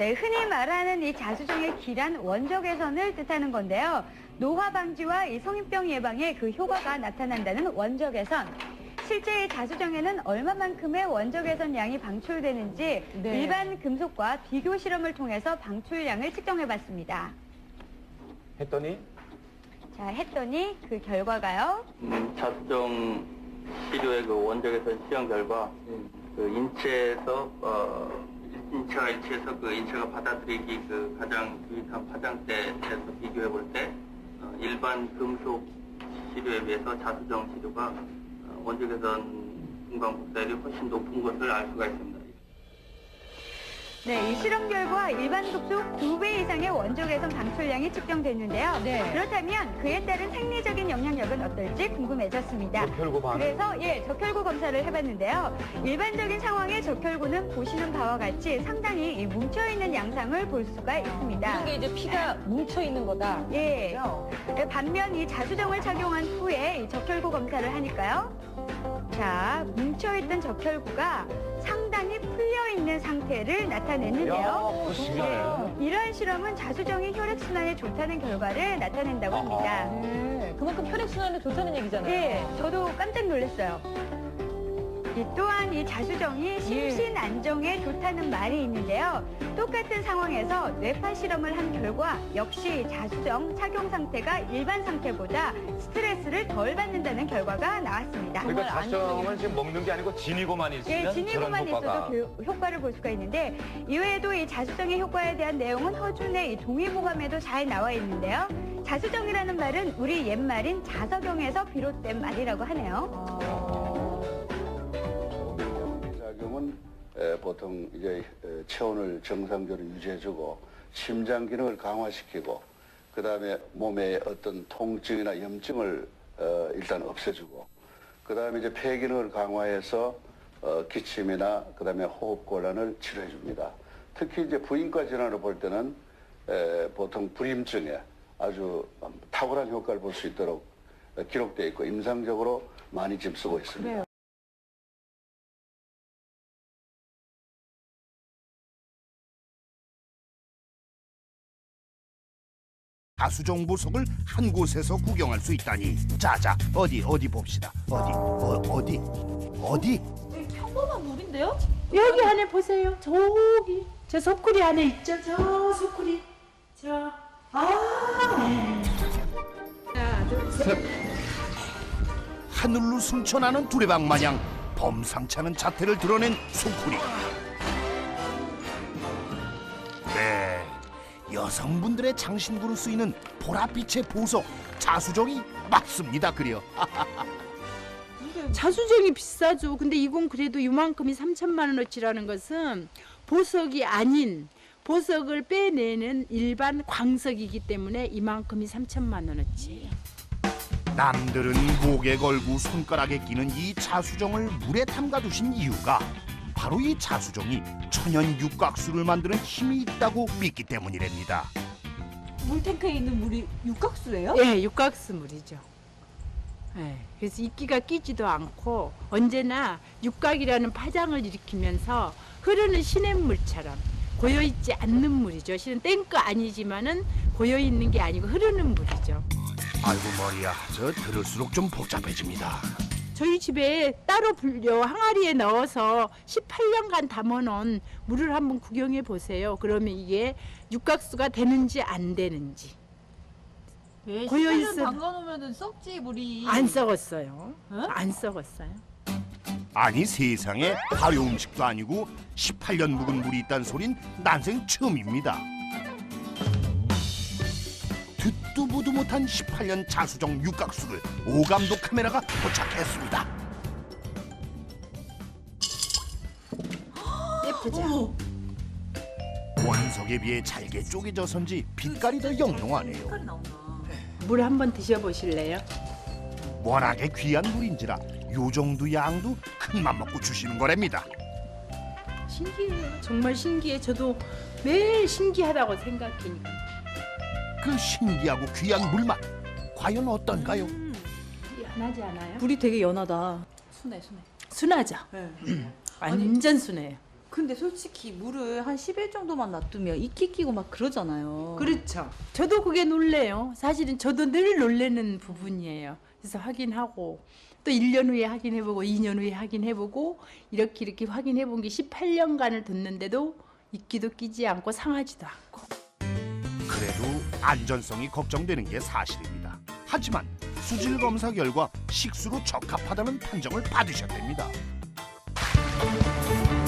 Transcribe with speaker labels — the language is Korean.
Speaker 1: 네, 흔히 말하는 이 자수정의 기란 원적 개선을 뜻하는 건데요. 노화 방지와 이 성인병 예방에 그 효과가 나타난다는 원적 개선. 실제 이 자수정에는 얼마만큼의 원적 개선 양이 방출되는지
Speaker 2: 네.
Speaker 1: 일반 금속과 비교 실험을 통해서 방출량을 측정해봤습니다.
Speaker 3: 했더니
Speaker 1: 했더니 그 결과가요.
Speaker 4: 자수정 시료의 그 원적에서 시험 결과 그 인체가 일치해서 그 인체가 받아들이기 그 가장 유익한 파장대에서 비교해 볼 때 일반 금속 시료에 비해서 자수정 시료가 원적에선 금강 복사율이 훨씬 높은 것을 알 수가 있습니다.
Speaker 1: 네, 이 실험 결과 일반 금속 2배 이상의 원적 개선 방출량이 측정됐는데요.
Speaker 2: 네.
Speaker 1: 그렇다면 그에 따른 생리적인 영향력은 어떨지 궁금해졌습니다.
Speaker 3: 적혈구 반응.
Speaker 1: 그래서 적혈구 검사를 해봤는데요. 일반적인 상황의 적혈구는 보시는 바와 같이 상당히 이 뭉쳐있는 양상을 볼 수가 있습니다.
Speaker 2: 이런 게 이제 피가 뭉쳐 있는 거다.
Speaker 1: 예. 반면 이 자수정을 착용한 후에 이 적혈구 검사를 하니까요. 자, 뭉쳐있던 적혈구가 상당히 풀려있는 상태를 나타내는데요.
Speaker 3: 그거 신기하네.
Speaker 1: 이러한 실험은 자수정이 혈액순환에 좋다는 결과를 나타낸다고 합니다.
Speaker 2: 네, 그만큼 혈액순환에 좋다는 얘기잖아요.
Speaker 1: 네, 저도 깜짝 놀랐어요. 또한 이 자수정이 심신 안정에 좋다는 말이 있는데요. 똑같은 상황에서 뇌파 실험을 한 결과 역시 자수정 착용 상태가 일반 상태보다 스트레스를 덜 받는다는 결과가 나왔습니다.
Speaker 3: 그러니까 자수정은 지금 먹는 게 아니고 지니고만 있으면
Speaker 1: 지니고만
Speaker 3: 저런 효과가.
Speaker 1: 있어도 그 효과를 볼 수가 있는데 이외에도 이 자수정의 효과에 대한 내용은 허준의 이 동의보감에도 잘 나와 있는데요. 자수정이라는 말은 우리 옛말인 자석영에서 비롯된 말이라고 하네요.
Speaker 5: 작용은 보통 이제 체온을 정상적으로 유지해주고 심장 기능을 강화시키고 그다음에 몸의 어떤 통증이나 염증을 일단 없애주고 그다음에 이제 폐 기능을 강화해서 기침이나 그다음에 호흡 곤란을 치료해줍니다. 특히 이제 부인과 질환을 볼 때는 보통 불임증에 아주 탁월한 효과를 볼 수 있도록 기록되어 있고 임상적으로 많이 지금 쓰고 있습니다.
Speaker 2: 그래요.
Speaker 6: 자수정 보석을 한 곳에서 구경할 수 있다니. 자자, 어디 봅시다. 어디?
Speaker 7: 평범한 물인데요?
Speaker 8: 여기 안에 보세요. 저기 저 소쿠리 안에 있죠. 저 소쿠리. 하나, 둘, 셋.
Speaker 6: 하늘로 승천하는 두레박 마냥 범상치 않은 자태를 드러낸 소쿠리. 네, 여성분들의 장신구로 쓰이는 보랏빛의 보석 자수정이 맞습니다. 그려.
Speaker 8: 자수정이 비싸죠. 근데 이건 그래도 이만큼이 3천만 원어치라는 것은 보석이 아닌 보석을 빼내는 일반 광석이기 때문에 이만큼이 3천만 원어치예요.
Speaker 6: 남들은 목에 걸고 손가락에 끼는 이 자수정을 물에 담가두신 이유가 바로 이 자수정이 천연 육각수를 만드는 힘이 있다고 믿기 때문이랍니다.
Speaker 7: 물탱크에 있는 물이 육각수예요?
Speaker 8: 예, 육각수 물이죠. 예, 그래서 이끼가 끼지도 않고 언제나 육각이라는 파장을 일으키면서 흐르는 시냇물처럼 고여있지 않는 물이죠. 실은 땡크 아니지만은 고여있는 게 아니고 흐르는 물이죠.
Speaker 6: 아이고 머리야, 저 들을수록 좀 복잡해집니다.
Speaker 8: 저희 집에 따로 불려 항아리에 넣어서 18년간 담아놓은 물을 한번 구경해 보세요. 그러면 이게 육각수가 되는지 안 되는지.
Speaker 7: 왜
Speaker 8: 고여
Speaker 7: 18년
Speaker 8: 있어.
Speaker 7: 담가놓으면 썩지 물이.
Speaker 8: 안 썩었어요.
Speaker 7: 어?
Speaker 8: 안 썩었어요.
Speaker 6: 아니 세상에 발효 음식도 아니고 18년 묵은 물이 있다는 소린 난생 처음입니다. 듣도 보도 못한 18년 자수정 육각수를 오감도 카메라가 포착했습니다.
Speaker 8: 예쁘죠?
Speaker 6: 원석에 비해 잘게 쪼개져선지 빛깔이 더 영롱하네요.
Speaker 7: 색깔이 나오나.
Speaker 8: 물 한번 드셔보실래요?
Speaker 6: 워낙에 귀한 물인지라 요 정도 양도 큰맘 먹고 주시는 거랍니다.
Speaker 8: 신기해요. 정말 신기해. 저도 매일 신기하다고 생각하니까.
Speaker 6: 그 신기하고 귀한 물맛 과연 어떤가요?
Speaker 8: 연하지 않아요?
Speaker 7: 물이 되게 연하다. 순해.
Speaker 8: 순하죠?
Speaker 7: 네.
Speaker 8: 완전 순해요.
Speaker 7: 근데 솔직히 물을 한 10일 정도만 놔두면 이끼 끼고 막 그러잖아요.
Speaker 8: 그렇죠. 저도 그게 놀래요. 사실은 저도 늘 놀래는 부분이에요. 그래서 확인하고 또 1년 후에 확인해보고 2년 후에 확인해보고 이렇게 확인해본 게 18년간을 뒀는데도 이끼도 끼지 않고 상하지도 않고.
Speaker 6: 그래도 안전성이 걱정되는 게 사실입니다. 하지만 수질 검사 결과 식수로 적합하다는 판정을 받으셨답니다.